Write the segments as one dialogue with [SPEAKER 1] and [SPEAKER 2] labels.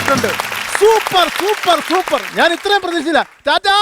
[SPEAKER 1] ആയിട്ടുണ്ട്. Super super super. ഞാൻ ഇത്രയും പ്രതീക്ഷിച്ചില്ല. Tata.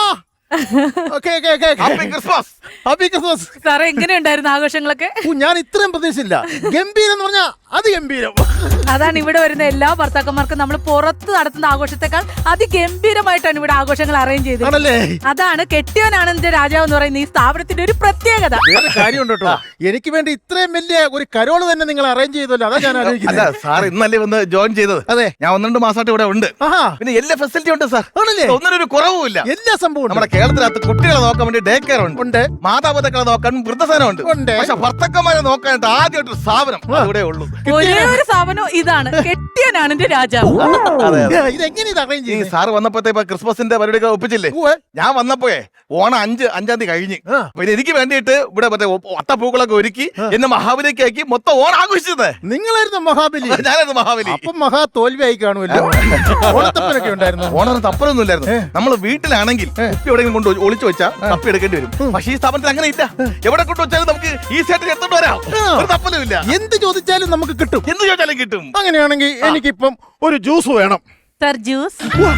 [SPEAKER 1] Happy Christmas. Happy Christmas.
[SPEAKER 2] സാറേ എങ്ങനെയുണ്ടായിരുന്നു ആഘോഷങ്ങളൊക്കെ?
[SPEAKER 1] ഞാൻ ഇത്രയും പ്രതീക്ഷിച്ചില്ല. ഗംഭീരം എന്ന് പറഞ്ഞാ അത് ഗംഭീരം.
[SPEAKER 2] അതാണ് ഇവിടെ വരുന്ന എല്ലാ ഭർത്താക്കന്മാർക്കും നമ്മൾ പുറത്ത് നടത്തുന്ന ആഘോഷത്തെക്കാൾ അതിഗംഭീരമായിട്ടാണ് ഇവിടെ ആഘോഷങ്ങൾ അറേഞ്ച് ചെയ്തത്. അതാണ് കെട്ടിയവനാണ് എന്റെ രാജാവ് എന്ന് പറയുന്ന ഈ സ്ഥാപനത്തിന്റെ ഒരു പ്രത്യേകത.
[SPEAKER 1] വേറെ കാര്യമുണ്ട് കേട്ടോ, എനിക്ക് വേണ്ടി ഇത്രയും വലിയ ഒരു കരോള് തന്നെ നിങ്ങൾ അറേഞ്ച് ചെയ്തല്ലോ. അതാ ഞാൻ ആലോചിക്കുന്നത്.
[SPEAKER 3] സാർ ഇന്നല്ലേ വന്ന് ജോയിൻ ചെയ്തത്?
[SPEAKER 1] അതെ,
[SPEAKER 3] ഞാൻ 1-2 മാസമായിട്ട് ഇവിടെ ഉണ്ട്. പിന്നെ എല്ലാ ഫെസിലിറ്റി ഉണ്ട് സാർ.
[SPEAKER 1] ആണല്ലേ?
[SPEAKER 3] ഒന്നിനൊരു കുറവുമില്ല.
[SPEAKER 1] എല്ലാ സംഭവം
[SPEAKER 3] നമ്മുടെ കേരളത്തിനകത്ത് കുട്ടികളെ നോക്കാൻ വേണ്ടി ഡേ കെയർ ഉണ്ട്, മാതാപിതാക്കളെ നോക്കാൻ വൃദ്ധസേന ഉണ്ട്. പക്ഷെ ഭർത്തക്കന്മാരെ നോക്കാനായിട്ട് ആദ്യമായിട്ട് ഒരു സ്ഥാപനം ഇവിടെ ഉള്ളൂ.
[SPEAKER 2] ഒരേ ഒരു സ്ഥാപനം ഇതാണ്, കെട്ടിയവനാണ് എന്റെ രാജാവ്.
[SPEAKER 1] ഇതെങ്ങനെ
[SPEAKER 3] സാറ് വന്നപ്പോഴത്തെ ക്രിസ്മസിന്റെ പരിപാടിയൊക്കെ ഒപ്പിച്ചില്ലേ? ഞാൻ വന്നപ്പോഴേ ഓണം 5-5 തീയതി കഴിഞ്ഞ്. പിന്നെ എനിക്ക് വേണ്ടിയിട്ട് ഇവിടെ മറ്റേ ഒത്തപ്പൂക്കളൊക്കെ ഒരുക്കി എന്നെ മഹാബലിക്ക് ആക്കി മൊത്തം ഓണം ആഘോഷിച്ചത്
[SPEAKER 1] നിങ്ങളായിരുന്നു. മഹാബലി?
[SPEAKER 3] ഞാനായിരുന്നു മഹാബലി.
[SPEAKER 1] അപ്പം മഹാ തോൽവി ആയി കാണുമല്ലോ. ഓണത്തപ്പനൊക്കെ ഉണ്ടായിരുന്നു.
[SPEAKER 3] ഓണം തപ്പലൊന്നും ഇല്ലായിരുന്നു. നമ്മൾ വീട്ടിലാണെങ്കിൽ കുപ്പി എവിടെയെങ്കിലും കൊണ്ട് ഒളിച്ചു വെച്ചാൽ തപ്പി എടുക്കേണ്ടി വരും. പക്ഷേ ഈ സ്ഥാപനത്തിൽ അങ്ങനെ ഇല്ല. എവിടെ കൊണ്ട് വെച്ചാലും നമുക്ക് ഈസി ആയിട്ട് എടുത്തോണ്ട് വരാം. ഒരു തപ്പലും ഇല്ല.
[SPEAKER 1] എന്ത് ചോദിച്ചാലും നമുക്ക് കിട്ടും.
[SPEAKER 3] എന്ത് ചോദിച്ചാലും കിട്ടും.
[SPEAKER 1] അങ്ങനെയാണെങ്കിൽ എനിക്കിപ്പം ഒരു ജ്യൂസ് വേണം.
[SPEAKER 2] Sir juice?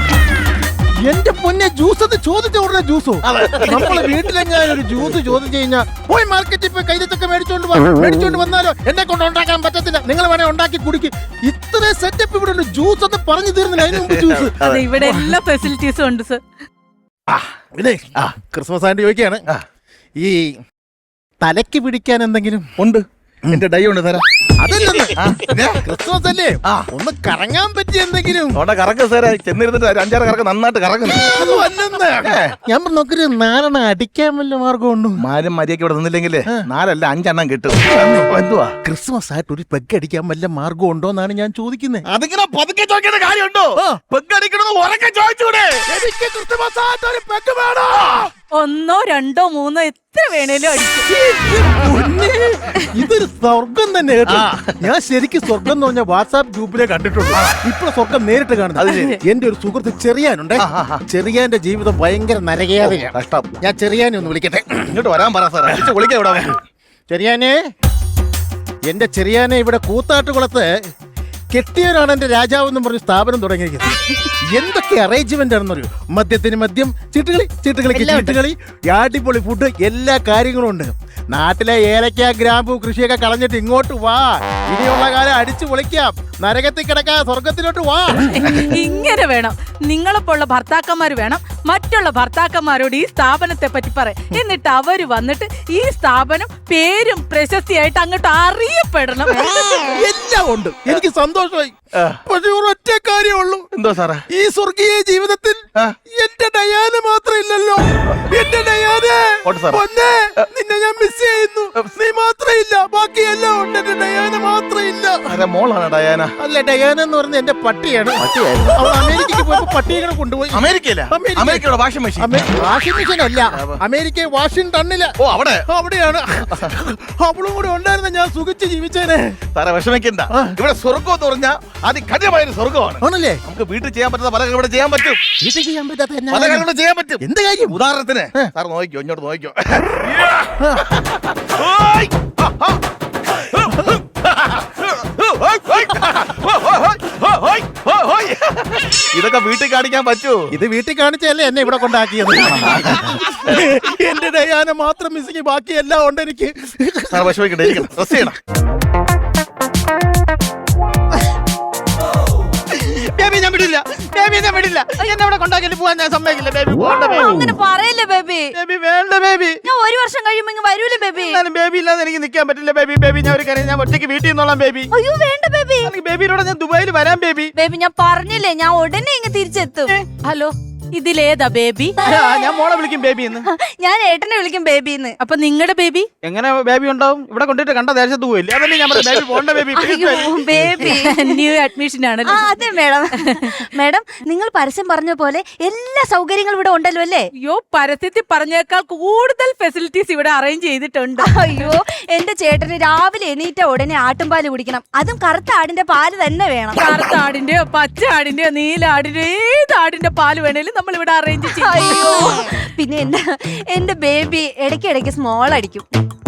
[SPEAKER 1] എന്റെ പൊന്നെ, ജ്യൂസ് എന്ന് ചോദിച്ച ഉടനെ ജ്യൂസോ? നമ്മളെ വീട്ടിലെങ്ങനെ ഒരു ജ്യൂസ് ചോദിച്ചു കഴിഞ്ഞാൽ പോയി മാർക്കറ്റിൽ പോയി കൈതൊക്കെ മേടിച്ചോണ്ട് വന്നാലോ എന്നെ കൊണ്ട് ഉണ്ടാക്കാൻ പറ്റത്തില്ല. നിങ്ങൾ വേണേ ഉണ്ടാക്കി കുടിക്കും. ഇത്ര സെറ്റപ്പ് ഇവിടെ ഉണ്ട്. ജ്യൂസ് എന്ന് പറഞ്ഞു തീർന്നില്ല. അതിന് മുമ്പ് ജ്യൂസ്.
[SPEAKER 2] അതെ, ഇവിടെ എല്ലാ ഫെസിലിറ്റീസും ഉണ്ട് സർ.
[SPEAKER 1] ഇതേ ക്രിസ്മസ് ആയിട്ട് ചോദിക്കുകയാണ്, ഈ തലയ്ക്ക് പിടിക്കാൻ എന്തെങ്കിലും
[SPEAKER 3] ഉണ്ട്? എന്റെ ഡൈ ഉണ്ട് തരാം.
[SPEAKER 1] അതല്ലെന്ന്, ക്രിസ്മസ് അല്ലേ, ഒന്ന് കറങ്ങാൻ പറ്റിയ എന്തെങ്കിലും.
[SPEAKER 3] അവിടെ കറക്കം സാറേ, ചെന്നിരുന്നിട്ട് 5-6 കറക്കം നന്നായിട്ട് കറക്കുന്നു.
[SPEAKER 1] ഞാൻ നോക്കൊരു 4 അടിക്കാൻ വല്ല മാർഗമുണ്ട്?
[SPEAKER 3] മാരും മര്യാദയ്ക്ക് ഇവിടെ നിന്നില്ലെങ്കിലേ 4 അല്ല 5 എണ്ണം കിട്ടും. എന്തുവാ
[SPEAKER 1] ക്രിസ്മസ് ആയിട്ട് ഒരു പെഗ് അടിക്കാൻ വല്ല മാർഗം ഉണ്ടോ എന്നാണ് ഞാൻ ചോദിക്കുന്നത്.
[SPEAKER 3] അതിങ്ങനെ പതുക്കെ ചോദിക്കേണ്ട കാര്യമുണ്ടോ? പെഗ് അടിക്കണമെന്ന് ഉറക്കെ ചോദിച്ചൂടെ?
[SPEAKER 1] എനിക്ക് ക്രിസ്മസ് ആയിട്ട് ഒരു പെഗ് വേണോ?
[SPEAKER 2] 1, 2, 3 എത്ര വേണേലും അടിക്കും.
[SPEAKER 1] ഇതൊരു സ്വർഗം തന്നെ കേട്ടോ. ഞാൻ ശരിക്കും സ്വർഗം എന്ന് പറഞ്ഞ വാട്സാപ്പ് ഗ്രൂപ്പിലെ കണ്ടിട്ടുണ്ട്. ഇപ്പൊ സ്വർഗം നേരിട്ട് കാണുന്നത്. എന്റെ ഒരു സുഹൃത്ത് ചെറിയാനുണ്ട്. ചെറിയാന്റെ ജീവിതം ഭയങ്കര നരകയാതയാണ്.
[SPEAKER 3] കഷ്ടം.
[SPEAKER 1] ഞാൻ ചെറിയാനെ ഒന്ന് വിളിക്കട്ടെ.
[SPEAKER 3] ഇങ്ങോട്ട് വരാൻ പറ സാറേ.
[SPEAKER 1] ചെറിയാനെ, എന്റെ ചെറിയാനെ ഇവിടെ കൂത്താട്ടുകുളത്ത് കെട്ടിയവരാണ് എന്റെ രാജാവ് എന്ന് പറഞ്ഞ് സ്ഥാപനം തുടങ്ങിയിരിക്കുന്നത്. എന്തൊക്കെ അറേഞ്ച്മെന്റ് ആണെന്നറിയോ? മദ്യത്തിന് മദ്യം, ചീട്ടുകളിക്ക് ചീട്ടുകളി, അടിപൊളി ഫുഡ്, എല്ലാ കാര്യങ്ങളും ഉണ്ട്. നാട്ടിലെ ഏലക്ക ഗ്രാമ്പു കൃഷിയൊക്കെ കളഞ്ഞിട്ട് ഇങ്ങോട്ട് വാ. ഇനിയുള്ള കാലം അടിച്ചു പൊളിക്കാം. നരകത്തിൽ കിടക്കാൻ സ്വർഗത്തിലോട്ട് വാ.
[SPEAKER 2] ഇങ്ങനെ വേണം. നിങ്ങളെപ്പോലുള്ള ഭർത്താക്കന്മാർ വേണം മറ്റുള്ള ഭർത്താക്കന്മാരോട് ഈ സ്ഥാപനത്തെ പറ്റി പറയാം. എന്നിട്ട് അവര് വന്നിട്ട് ഈ സ്ഥാപനം പേരും പ്രശസ്തിയായിട്ട് അങ്ങോട്ട് അറിയപ്പെടണം.
[SPEAKER 1] എല്ലാം ഉണ്ട്. എനിക്ക് സന്തോഷമായി. പക്ഷെ ഒരൊറ്റ കാര്യമുള്ളൂ.
[SPEAKER 3] എന്തോ സാറേ?
[SPEAKER 1] ഈ സ്വർഗീയ ജീവിതത്തിൽ എന്റെ ഡയാന മാത്രം ഇല്ലല്ലോ. എന്റെ ഡയാനെ പൊന്നെ, നിന്നെ ഞാൻ മിസ് ചെയ്യുന്നു. നീ മാത്രം ഇല്ല, ബാക്കിയെല്ലാം ഉണ്ട്. എന്റെ ഡയാന മാത്രം ഇല്ല.
[SPEAKER 3] മോളാണ് ഡയാന?
[SPEAKER 1] അല്ല, ഡയാന എന്ന് പറഞ്ഞ എന്റെ പട്ടിയാണ്. അവൾ അമേരിക്കക്ക് പോയപ്പോ പട്ടിയെ കൊണ്ടുപോയി.
[SPEAKER 3] അമേരിക്കയിലെ വാഷിംഗ് മെഷീൻ?
[SPEAKER 1] വാഷിംഗ് മെഷീൻ അല്ല, അമേരിക്ക വാഷിംഗ്ടണില്.
[SPEAKER 3] ഓ, അവിടെയാണ്.
[SPEAKER 1] അവളും കൂടെ ഉണ്ടായിരുന്ന ഞാൻ സുഖിച്ച് ജീവിച്ചേനെ.
[SPEAKER 3] സാറേ വിഷമിക്കണ്ട. ഇവിടെ സ്വർഗം എന്ന് പറഞ്ഞാൽ അതികഠിനമായ സ്വർഗമാണ്.
[SPEAKER 1] ആണല്ലേ?
[SPEAKER 3] നമുക്ക് വീട്ടിൽ ചെയ്യാൻ പറ്റുന്ന പല ഇവിടെ ചെയ്യാൻ പറ്റും.
[SPEAKER 1] വീട്ടിൽ ചെയ്യാൻ പറ്റാത്ത
[SPEAKER 3] പല കാര്യങ്ങളും ചെയ്യാൻ പറ്റും.
[SPEAKER 1] എന്ത് കാര്യം?
[SPEAKER 3] ഉദാഹരണത്തിന് സാർ നോക്കിക്കോ, ഇങ്ങോട്ട് നോക്കിക്കോ. ഇതൊക്കെ വീട്ടിൽ കാണിക്കാൻ പറ്റൂ?
[SPEAKER 1] ഇത് വീട്ടിൽ കാണിച്ചല്ലേ എന്നെ ഇവിടെ കൊണ്ടാക്കിയത്. എന്റെ ഡയാന മാത്രം മിസ്സിങ്, ബാക്കി എല്ലാം ഉണ്ട് എനിക്ക്.
[SPEAKER 3] സാർ വിഷമിക്കണ്ട, ഡ്രസ് ചെയ്യണം.
[SPEAKER 1] ബേബി ഞാൻ വിടില്ല, ബേബി ഞാൻ വിടില്ല. എന്നെ ഇവിടെ കൊണ്ടാക്കി പോവാൻ ഞാൻ സമ്മതിക്കില്ല. ബേബി പോകണ്ട.
[SPEAKER 4] അങ്ങനെ പറയല്ലേ ബേബി.
[SPEAKER 1] ബേബി വേണ്ട ബേബി.
[SPEAKER 4] ഞാൻ 1 വർഷം കഴിയുമ്പോ ഇങ്ങ് വരൂലേ ബേബി.
[SPEAKER 1] ബേബി ഇല്ലാതെ എനിക്ക് നിൽക്കാൻ പറ്റില്ല ബേബി. ബേബി ഞാൻ ഒരു കാര്യം, ഞാൻ ഒറ്റയ്ക്ക് വീട്ടിൽ നിന്നോളാം ബേബി.
[SPEAKER 4] അയ്യോ വേണ്ട ബേബി.
[SPEAKER 1] ബേബിയോടെ ഞാൻ ദുബായിൽ വരാം ബേബി.
[SPEAKER 4] ബേബി ഞാൻ പറഞ്ഞില്ലേ, ഞാൻ ഉടനെ ഇങ്ങ് തിരിച്ചെത്തും.
[SPEAKER 2] ഹലോ, ഇതിലേതാ ബേബി?
[SPEAKER 1] ഞാൻ മോളെ വിളിക്കും ബേബി എന്ന്.
[SPEAKER 4] ഞാൻ ഏട്ടനെ വിളിക്കും ബേബിന്ന്.
[SPEAKER 2] അപ്പൊ നിങ്ങളുടെ ബേബി
[SPEAKER 1] എങ്ങനെ ബേബി ഉണ്ടാവും? ഇവിടെ കൊണ്ടിട്ട് കണ്ട ദേശത്ത് പോയില്ലേ? അതല്ലേ ഞാൻ ബേബി പോണ്ട ബേബി.
[SPEAKER 4] ബേബി
[SPEAKER 2] ന്യൂ അഡ്മിഷൻ ആണല്ലോ.
[SPEAKER 4] അതെ മേഡം. മേഡം, നിങ്ങൾ പരസ്യം പറഞ്ഞ പോലെ എല്ലാ സൗകര്യങ്ങളും ഇവിടെ ഉണ്ടല്ലോ അല്ലേ?
[SPEAKER 2] അയ്യോ, പരസ്യത്തിൽ പറഞ്ഞേക്കാൾ കൂടുതൽ ഫെസിലിറ്റീസ് ഇവിടെ അറേഞ്ച് ചെയ്തിട്ടുണ്ട്.
[SPEAKER 4] അയ്യോ, എന്റെ ചേട്ടന് രാവിലെ എണീറ്റ ഉടനെ ആട്ടുംപാല് കുടിക്കണം. അതും കറുത്ത ആടിന്റെ പാല് തന്നെ വേണം.
[SPEAKER 2] കറുത്ത ആടിന്റെയോ പച്ച ആടിന്റെയോ നീല ആടിന്റെയോ ഏത് ആടിന്റെ പാല് വേണേലും നമ്മൾ ഇവിടെ അറേഞ്ച് ചെയ്യും.
[SPEAKER 4] അയ്യോ, പിന്നെ എന്റെ ബേബി ഇടയ്ക്കിടയ്ക്ക് സ്മോൾ അടിക്കും.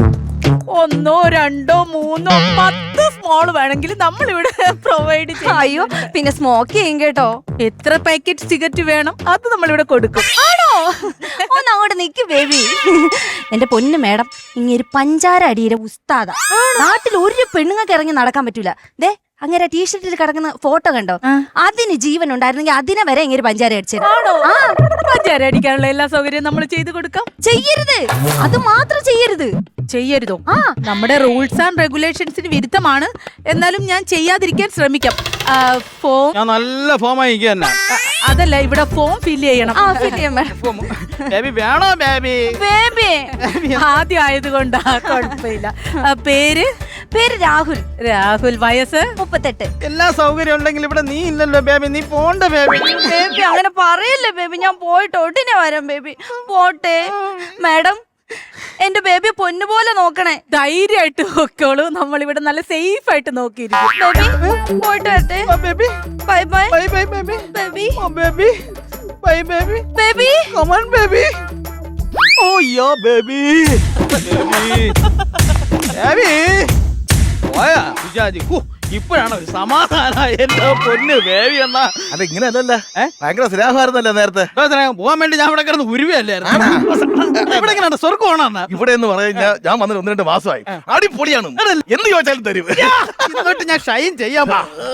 [SPEAKER 2] ഒന്നോ രണ്ടോ മൂന്നോ 10 സ്മോൾ വേണമെങ്കിൽ നമ്മൾ ഇവിടെ പ്രൊവൈഡ് ചെയ്യും.
[SPEAKER 4] അയ്യോ പിന്നെ സ്മോക്ക് ചെയ്യും കേട്ടോ.
[SPEAKER 2] എത്ര പാക്കറ്റ് സിഗരറ്റ് വേണം അത് നമ്മൾ ഇവിടെ കൊടുക്കും.
[SPEAKER 4] ആണോ? ഒന്ന് അങ്ങോട്ട് നിക്ക് ബേബി. എന്റെ പൊന്നു മേഡം, ഇങ്ങനെ പഞ്ചാര അടിയുടെ ഉസ്താദ. നാട്ടിൽ ഒരു പെണ്ണുങ്ങൾക്ക് ഇറങ്ങി നടക്കാൻ പറ്റൂല. ദേ അങ്ങനെ ടീഷർട്ടിൽ കിടക്കുന്ന ഫോട്ടോ കണ്ടോ? അതിന് ജീവൻ ഉണ്ടായിരുന്നെങ്കിൽ അതിനെ വരെ ഇങ്ങനെ പഞ്ചാര അടിച്ചത്.
[SPEAKER 2] പഞ്ചാര അടിക്കാനുള്ള എല്ലാ സൗകര്യവും നമ്മൾ ചെയ്തു കൊടുക്കാം.
[SPEAKER 4] ചെയ്യരുത്, അത് മാത്രം ചെയ്യരുത്.
[SPEAKER 2] ചെയ്യരുതോ? നമ്മുടെ റൂൾസ് ആൻഡ് റെഗുലേഷൻസിന് വിരുദ്ധമാണ്. എന്നാലും ഞാൻ ചെയ്യാതിരിക്കാൻ ശ്രമിക്കാം. ഫോം
[SPEAKER 5] ഞാൻ നല്ല ഫോമായി തന്നെ.
[SPEAKER 2] അതല്ല, ഇവിടെ ഫോം ഫില്ല് ചെയ്യണം.
[SPEAKER 5] ബേബി വേണോ ബേബി?
[SPEAKER 4] ബേബി
[SPEAKER 2] ആദ്യം ആയതുകൊണ്ടാ കുഴപ്പമില്ല. പേര്
[SPEAKER 4] പേര് രാഹുൽ.
[SPEAKER 2] രാഹുൽ. വയസ്സ്
[SPEAKER 4] 38.
[SPEAKER 5] എല്ലാ സൗകര്യം ഉണ്ടെങ്കിൽ ഇവിടെ നീ ഇല്ലല്ലോ ബേബി. നീ പോണ്ട ബേബി.
[SPEAKER 4] ബേബി അങ്ങനെ പറയല്ലേ ബേബി, ഞാൻ പോയിട്ട് ഉടനെ വരാം ബേബി. പോട്ടെ മാഡം, എന്റെ ബേബിയെ പൊന്നുപോലെ നോക്കണേ.
[SPEAKER 2] ധൈര്യമായിട്ട് നോക്കോളൂ. നമ്മളിവിടെ നല്ല സേഫ് ആയിട്ട് നോക്കിയിരിക്കും.
[SPEAKER 4] ബേബി പോയിട്ട് വരട്ടെ.
[SPEAKER 5] Baby
[SPEAKER 4] bye bye.
[SPEAKER 5] Bye bye baby.
[SPEAKER 4] Baby
[SPEAKER 5] baby bye baby.
[SPEAKER 4] Baby
[SPEAKER 5] Come on baby. Oh yeah baby. Baby. Baby. പോയാ വിചാരിച്ചു. ഇപ്പോഴാണ് ഒരു സമാധാനം. എന്റെ പൊന്ന് ബേബി എന്നാ.
[SPEAKER 3] അത് ഇങ്ങനെ അല്ലല്ല, ഭയങ്കര സ്നേഹമായിരുന്നല്ലേ നേരത്തെ.
[SPEAKER 5] പോവാൻ വേണ്ടി ഞാൻ ഇവിടെ കിടന്ന് ഉരുവല്ലായിരുന്നു. ഇവിടെ എങ്ങനെയാണ് സ്വർഗമാണെന്നാ?
[SPEAKER 3] ഇവിടെ എന്ന് പറഞ്ഞാൽ ഞാൻ വന്നിട്ട് 1-2 മാസമായി. അടിപൊളിയാണ്, എന്ത് ചോദിച്ചാലും തരും.
[SPEAKER 5] ഇങ്ങോട്ട് ഞാൻ ഷൈൻ ചെയ്യാം.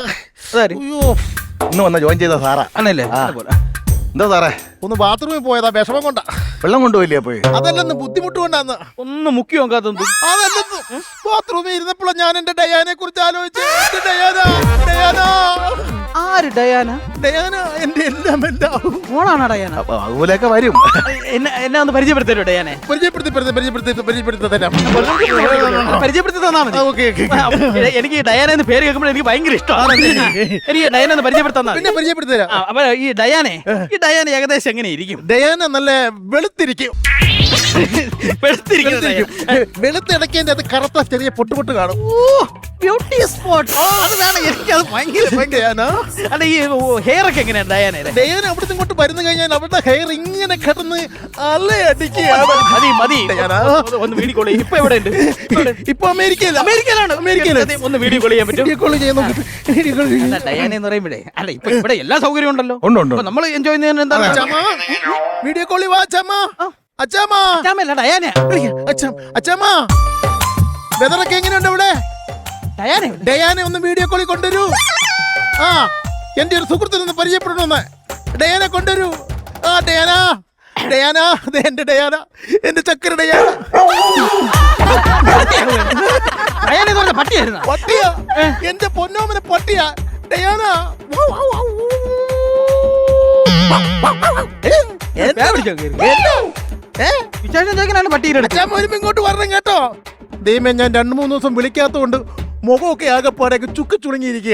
[SPEAKER 3] ഇന്ന് വന്ന ജോയിൻ ചെയ്ത സാറാ.
[SPEAKER 5] ആണല്ലേ?
[SPEAKER 3] എന്താ സാറേ?
[SPEAKER 1] ഒന്ന് ബാത്റൂമിൽ പോയതാ, വിഷമം കൊണ്ടാ.
[SPEAKER 3] വെള്ളം കൊണ്ടുപോയില്ലേ പോയി?
[SPEAKER 1] അതല്ലെന്ന് ബുദ്ധിമുട്ട് കൊണ്ടാന്ന്.
[SPEAKER 5] ഒന്ന് മുക്കി നോക്കാത്തത്.
[SPEAKER 1] അതല്ലെന്ന് ബാത്റൂമിൽ ഇരുന്നപ്പോഴാണ് ഞാൻ എന്റെ ഡയാനെ കുറിച്ച് ആലോചിച്ച്. ഡയാന
[SPEAKER 5] ആര് ഡയാന?
[SPEAKER 1] ഡയാന എന്റെ എല്ലാം എല്ലാം.
[SPEAKER 5] ഓണാണ് ഡയാന.
[SPEAKER 3] അപ്പൊ അതുപോലെയൊക്കെ വരും.
[SPEAKER 5] എന്നെ ഒന്ന് പരിചയപ്പെടുത്തരോ ഡയാനെ?
[SPEAKER 1] പരിചയപ്പെടുത്തി തരാം.
[SPEAKER 5] പരിചയപ്പെടുത്തി തന്നാ മതി.
[SPEAKER 1] ഓക്കെ.
[SPEAKER 5] എനിക്ക് ഡയാന എന്ന് പേര് കേൾക്കുമ്പോൾ എനിക്ക് ഭയങ്കര ഇഷ്ടമാണ്. എനിക്ക് ഡയാന എന്ന് പരിചയപ്പെടുത്താൻ.
[SPEAKER 1] പിന്നെ പരിചയപ്പെടുത്തി തരാം.
[SPEAKER 5] അപ്പൊ ഈ ഡയാന ഏകദേശം എങ്ങനെ ഇരിക്കും?
[SPEAKER 1] ഡയാന നല്ല വെളുത്തിരിക്കും. വെളുത്തിടക്കേന്റെ അത് കറുത്ത ചെറിയ പൊട്ടുപൊട്ട് കാണും.
[SPEAKER 5] Beauty spot. അതാണ് എനിക്കത് ഭയങ്കര. അല്ല ഈ ഹെയർ ഒക്കെ എങ്ങനെയാണ് ഡയാനയുടെ?
[SPEAKER 1] ഡയാന അവിടുന്ന് ഇങ്ങോട്ട് വരുന്നു കഴിഞ്ഞാൽ അവരുടെ ഹെയർ ഇങ്ങനെ കിടന്ന് അലയടിക്കുകയാണ്.
[SPEAKER 5] മതി ഒന്ന് വീഡിയോ കോൾ ചെയ്യും. ഇപ്പൊ എവിടെ ഉണ്ട്?
[SPEAKER 1] ഇപ്പൊ അമേരിക്കയിലാണ്.
[SPEAKER 5] ഒന്ന് വീഡിയോ കോൾ ചെയ്യാൻ പറ്റും? ഡയാന എന്ന് പറയുമ്പോഴേ അല്ല ഇപ്പൊ ഇവിടെ എല്ലാ സൗകര്യവും ഉണ്ടല്ലോ. നമ്മൾ എൻജോയ് ചെയ്യുന്നതിന് എന്താണ്?
[SPEAKER 1] വീഡിയോ കോളിൽ വാ അച്ഛാ.
[SPEAKER 5] അച്ഛാമല്ല ഡയാന.
[SPEAKER 1] അച്ഛാ വെതറൊക്കെ എങ്ങനെയുണ്ട് ഇവിടെ? ഡയാനെ ഒന്ന് വീഡിയോ കോളിൽ കൊണ്ടുവരൂ. എന്റെ ഒരു സുഹൃത്തിനൊന്ന് പരിചയപ്പെടണമെന്ന്. ഡയാനെ കൊണ്ടുവരൂ. ഡയാന എന്റെ ഡയാന, എന്റെ ചക്കര ഡയാന.
[SPEAKER 5] പട്ടിയായിരുന്നു.
[SPEAKER 1] പട്ടിയാ? എന്റെ പൊന്നോമനെ പട്ടിയാ ഡയാന. അച്ഛാ വരുമ്പോ ഇങ്ങോട്ട് വരണം കേട്ടോ. ദൈവമേ, ഞാൻ 2-3 ദിവസം വിളിക്കാത്തോണ്ട് മുഖമൊക്കെ ആകെപ്പാടൊക്കെ ചുക്ക് ചുളുങ്ങിയിരിക്കുക.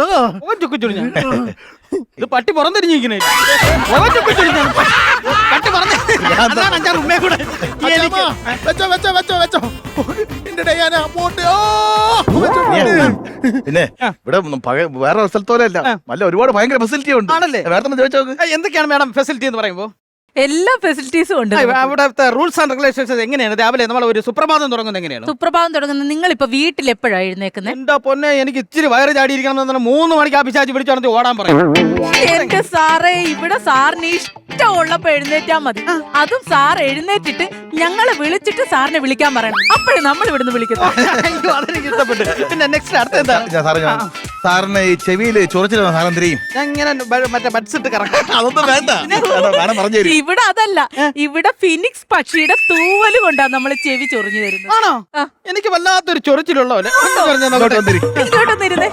[SPEAKER 5] ഇത് പട്ടി പുറംതിരിഞ്ഞിരിക്കണേ.
[SPEAKER 1] വെച്ചോ എന്റെ ഡയാന പോട്ടെ.
[SPEAKER 3] പിന്നെ ഇവിടെ വേറെ സ്ഥലത്തോലല്ല, നല്ല ഒരുപാട് ഭയങ്കര ഫെസിലിറ്റി ഉണ്ട്.
[SPEAKER 5] ആണല്ലേ?
[SPEAKER 3] വേറെ ചോദിച്ചോ
[SPEAKER 5] എന്തൊക്കെയാണ് മാഡം ഫെസിലിറ്റി എന്ന് പറയുമ്പോ?
[SPEAKER 2] എല്ലാ ഫെസിലിറ്റീസും ഉണ്ട്.
[SPEAKER 5] അവിടുത്തെ റൂൾസ് ആൻഡ് റെഗുലേഷൻസ് എങ്ങനെയാണ്? രാവിലെ നമ്മൾ ഒരു സുപ്രഭാതം തുടങ്ങുന്നത് എങ്ങനെയാണ്?
[SPEAKER 2] സുപ്രഭാതം തുടങ്ങുന്നത് നിങ്ങൾ ഇപ്പൊ വീട്ടിൽ എപ്പോഴാണ് എഴുന്നേക്കുന്നത്?
[SPEAKER 5] എന്താ പൊന്നെ, എനിക്ക് ഇച്ചിരി വയറ് ചാടിയിരിക്കണം എന്ന് 3 മണിക്ക് ആ പിശാചി വിളിച്ചു ഓടാൻ പറയും.
[SPEAKER 2] എന്റെ സാറേ, ഇവിടെ സാറിന് ഇഷ്ടമുള്ളപ്പോ എഴുന്നേറ്റാ മതി. അതും സാർ എഴുന്നേറ്റിട്ട് ഞങ്ങളെ വിളിച്ചിട്ട് സാറിനെ വിളിക്കാൻ പറയണം. അപ്പോഴേ നമ്മൾ ഇവിടുന്ന് വിളിക്കുന്നത്.
[SPEAKER 5] അതെനിക്ക് ഇഷ്ടപ്പെട്ടു. പിന്നെ നെക്സ്റ്റ് അടുത്ത എന്താ?
[SPEAKER 3] സാറിന് ഈ ചെവിയില് ചൊറിച്ചിൽ സാധനം തിരിയും.
[SPEAKER 5] ഞാൻ ഇങ്ങനെ മറ്റേ ബഡ്സിട്ട് കറക്കം.
[SPEAKER 3] അതൊന്നും വേണ്ട, പറഞ്ഞു തരും.
[SPEAKER 2] ഇവിടെ അതല്ല, ഇവിടെ ഫിനിക്സ് പക്ഷിയുടെ തൂവല് കൊണ്ടാണ് നമ്മൾ ചെവി ചൊറിഞ്ഞു തരുന്നത്.
[SPEAKER 5] ആണോ? എനിക്ക് വല്ലാത്തൊരു ചൊറിച്ചിലുള്ള പോലെ.
[SPEAKER 2] ഇങ്ങോട്ടൊന്നിരുന്നേ.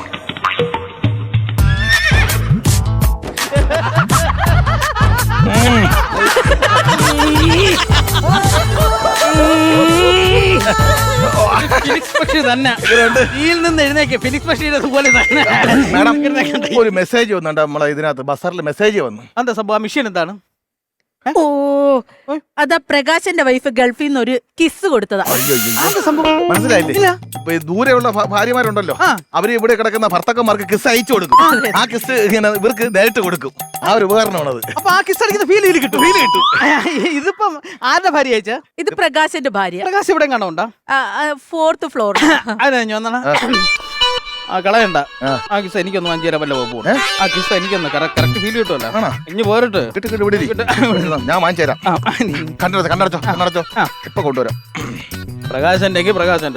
[SPEAKER 5] ഫിനിക്സ് പക്ഷി തന്നെ ഇതിൽ നിന്ന് എഴുന്നേക്ക്. ഫിനിക്സ് പക്ഷിയുടെ പോലെ തന്നെ.
[SPEAKER 3] മാഡം, ഒരു മെസ്സേജ് വന്നുണ്ട് നമ്മളെ ഇതിനകത്ത്, ബസറിൽ മെസ്സേജ് വന്നു.
[SPEAKER 5] എന്താ സംഭവം? മിഷൻ എന്താണ്?
[SPEAKER 2] ഓ, അതാ പ്രകാശന്റെ വൈഫ് ഗൾഫിൽ നിന്ന് ഒരു കിസ് കൊടുത്തതാ.
[SPEAKER 3] മനസ്സിലായില്ലേ? ദൂരെയുള്ള ഭാര്യമാരുണ്ടല്ലോ അവര് ഇവിടെ കിടക്കുന്ന ഭർത്താക്കന്മാർക്ക് കിസ് അയച്ചു കൊടുക്കും. ആ കിസ് ഇങ്ങനെ ഇവർക്ക് നേരിട്ട് കൊടുക്കും. ആ ഒരു ഉപകരണമാണത്.
[SPEAKER 5] അപ്പൊ ആ കിസ് അടിക്കുന്ന ഫീൽ കിട്ടും. ഇതിപ്പം ആരുടെ ഭാര്യ അയച്ചാ?
[SPEAKER 2] ഇത് പ്രകാശിന്റെ ഭാര്യ.
[SPEAKER 5] പ്രകാശ് ഇവിടെ കാണുന്നുണ്ടോ?
[SPEAKER 2] 4th floor.
[SPEAKER 5] അതിനാ ആ കളയണ്ട. ആ കിസ് എനിക്കൊന്ന് വാങ്ങിച്ചു തരാൻ വല്ല പോകും. ആ കിസ് എനിക്കൊന്ന് കറക്റ്റ് ഫീൽ കിട്ടുമല്ലോ. ഇനി പോരട്ട്
[SPEAKER 3] ഞാൻ വാങ്ങിച്ചു തരാം. കണ്ടടച്ചോ ഇപ്പൊ കൊണ്ടുവരാം.
[SPEAKER 5] പ്രകാശന്റെ പ്രകാശന്റെ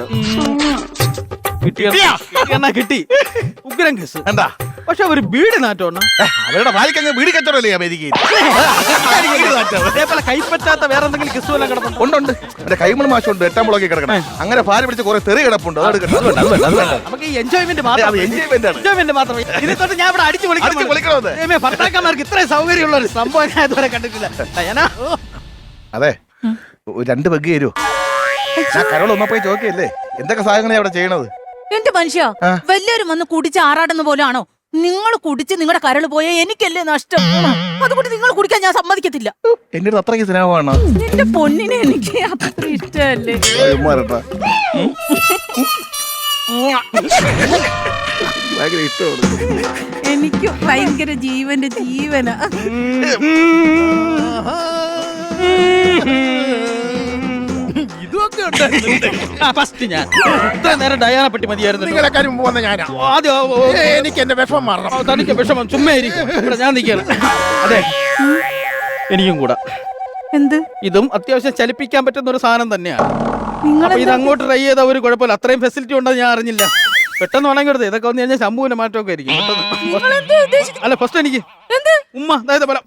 [SPEAKER 5] കിട്ടി ഉഗ്രം കിസ്.
[SPEAKER 3] എന്താ
[SPEAKER 5] പക്ഷെ ഒരു ബീഡി നാറ്റോണ്ണ
[SPEAKER 3] അവരുടെ ഭാര്യക്ക് ബീഡി കച്ചവടമല്ലേ അമേരിക്കയിൽ.
[SPEAKER 5] അതേപോലെ കൈപ്പറ്റാത്ത വേറെ എന്തെങ്കിലും കിസ് വല്ല കിടപ്പുണ്ട്?
[SPEAKER 3] ഉണ്ട്. എന്റെ കൈമൾ മാഷുണ്ട് 8ാം മുളകി കിടക്കണം. അങ്ങനെ ഭാര്യ പിടിച്ച് കുറെ തെറി കിടപ്പുണ്ട്.
[SPEAKER 5] നമുക്ക് ഈ എൻജോയ്മെന്റ് മാത്രം. ഇതിനെ തൊട്ട് ഞാൻ ഇവിടെ അടിച്ചു വിളിക്കണം. ഭർത്താക്കന്മാർക്ക് ഇത്രയും സൗകര്യമുള്ള ഒരു സംഭവം ഞാൻ ഇതുവരെ കണ്ടിട്ടില്ല.
[SPEAKER 3] അതെ 2 പെഗ് തരുമോ? ഞാൻ കരോൾ ഒന്നാ പോയി ചോദിക്കല്ലേ എന്തൊക്കെ സാധനങ്ങളാണ് അവിടെ ചെയ്യണത്?
[SPEAKER 2] എന്റെ മനുഷ്യ വല്ലവരും വന്ന് കുടിച്ച് ആറാടുന്ന പോലാണോ? നിങ്ങൾ കുടിച്ച് നിങ്ങളുടെ കരള് പോയ എനിക്കല്ലേ നഷ്ടം. അതുകൊണ്ട് നിങ്ങൾ കുടിക്കാൻ ഞാൻ സമ്മതിക്കത്തില്ല.
[SPEAKER 3] എന്റെ അടുത്ത് അത്രയ്ക്ക് സ്നേഹമാണ്.
[SPEAKER 2] എന്റെ പൊന്നിനെ എനിക്ക് അത്ര ഇഷ്ടമല്ലേ.
[SPEAKER 3] ഭയങ്കര ഇഷ്ടമാണ്. എനിക്ക്
[SPEAKER 2] ഭയങ്കര ജീവന്റെ ജീവന.
[SPEAKER 5] ഫസ്റ്റ് ഞാൻ ഇത്ര നേരം ഡയാന പറ്റി മതിയായിരുന്നു.
[SPEAKER 1] നിങ്ങളെക്കാരും മുമ്പ് വന്ന ഞാനാ. എനിക്ക് എന്റെ വിഷമം മാറണം.
[SPEAKER 5] തനിക്ക് വിഷമം ചുമ്മാ ഞാൻ നിൽക്കണം. അതെ എനിക്കും കൂടെ
[SPEAKER 2] എന്ത്
[SPEAKER 5] ഇതും അത്യാവശ്യം ചലിപ്പിക്കാൻ പറ്റുന്ന ഒരു സാധനം തന്നെയാണ്.
[SPEAKER 2] നിങ്ങൾ
[SPEAKER 5] ഇത് അങ്ങോട്ട് ട്രൈ ചെയ്ത ഒരു കുഴപ്പമില്ല. അത്രയും ഫെസിലിറ്റി ഉണ്ടെന്ന് ഞാൻ അറിഞ്ഞില്ല. പെട്ടെന്ന് വേണമെങ്കിൽ എടുത്ത് ഇതൊക്കെ വന്നു കഴിഞ്ഞാൽ ശമ്പൂവിന്റെ മാറ്റമൊക്കെ ആയിരിക്കും. അല്ല ഫസ്റ്റ് എനിക്ക് ഉമ്മ അതായത് പോലെ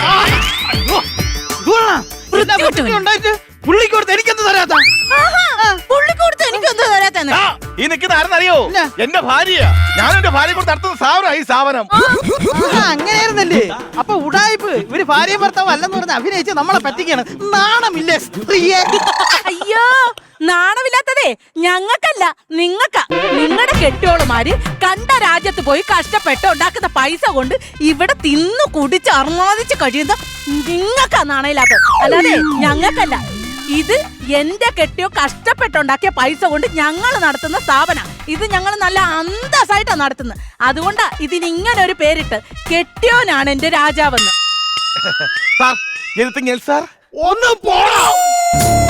[SPEAKER 5] ഉണ്ടായിട്ട് പുള്ളിക്കൊടുത്ത് എനിക്കെന്ത് തരാത്ത
[SPEAKER 2] പുള്ളിക്കൊടുത്ത് എനിക്കൊന്നും തരാത്തന്നെ.
[SPEAKER 3] ഈ നിൽക്കുന്ന ആരെന്നറിയോ? എന്റെ ഭാര്യ. ഞാൻ എന്റെ ഭാര്യ കൊണ്ട് നടത്തുന്ന സ്ഥാപനം ഈ സ്ഥാപനം.
[SPEAKER 5] അങ്ങനെയായിരുന്നല്ലേ? അപ്പൊ ഉടായിപ്പ് ഇവര് ഭാര്യയും ഭർത്താവ് അല്ലെന്ന് പറഞ്ഞ് അഭിനയിച്ച് നമ്മളെ പറ്റിക്കാണ്. നാണമില്ലേ സ്ത്രീയെ?
[SPEAKER 2] അയ്യോ നാണമില്ലാത്തതേ ഞങ്ങൾക്കല്ല നിങ്ങൾക്കാ. നിങ്ങളുടെ കെട്ടിയോളുമാര് കണ്ട രാജ്യത്ത് പോയി കഷ്ടപ്പെട്ട് ഉണ്ടാക്കുന്ന പൈസ കൊണ്ട് ഇവിടെ തിന്നു കുടിച്ച് അർമാദിച്ച് കഴിയുന്ന നിങ്ങൾക്കാ നാണയില്ലാത്തത്, അല്ലാതെ ഞങ്ങൾക്കല്ല. ഇത് എന്റെ കെട്ടിയോ കഷ്ടപ്പെട്ടുണ്ടാക്കിയ പൈസ കൊണ്ട് ഞങ്ങൾ നടത്തുന്ന സ്ഥാപന. ഇത് ഞങ്ങൾ നല്ല അന്തസ്സായിട്ടാണ് നടത്തുന്നത്. അതുകൊണ്ടാ ഇതിന് ഇങ്ങനെ ഒരു പേരിട്ട് കെട്ടിയോനാണ് എന്റെ രാജാവെന്ന്.
[SPEAKER 3] സാർ, ഒന്ന് പോടാ.